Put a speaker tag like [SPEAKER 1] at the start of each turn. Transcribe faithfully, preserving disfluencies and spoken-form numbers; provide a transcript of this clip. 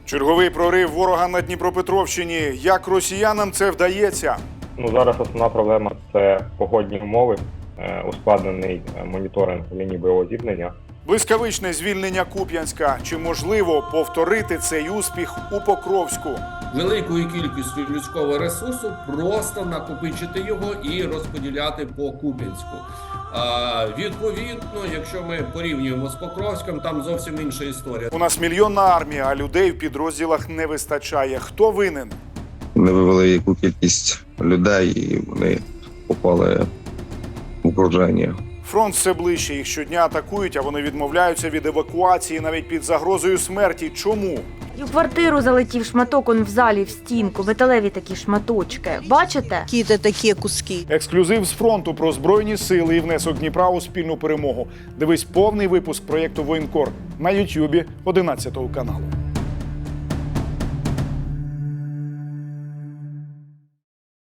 [SPEAKER 1] Черговий прорив ворога на Дніпропетровщині. Як росіянам це вдається?
[SPEAKER 2] Ну, зараз основна проблема – це погодні умови, е, ускладнений моніторинг лінії бойового зіткнення.
[SPEAKER 1] Блискавичне звільнення Куп'янська. Чи можливо повторити цей успіх у Покровську?
[SPEAKER 3] Великою кількістю людського ресурсу просто накопичити його і розподіляти по Куп'янську. А, відповідно, якщо ми порівнюємо з Покровськом, там зовсім інша історія.
[SPEAKER 1] У нас мільйонна армія, а людей в підрозділах не вистачає. Хто винен?
[SPEAKER 4] Вони вивели яку кількість людей і вони попали в окруження.
[SPEAKER 1] Фронт все ближче. Їх щодня атакують, а вони відмовляються від евакуації навіть під загрозою смерті. Чому?
[SPEAKER 5] І в квартиру залетів шматок, он в залі, в стінку, металеві такі шматочки. Бачите?
[SPEAKER 6] Какие-то такие куски.
[SPEAKER 1] Ексклюзив з фронту про Збройні сили і внесок Дніпра у спільну перемогу. Дивись повний випуск проєкту «Воєнкор» на Ютубі одинадцятого каналу.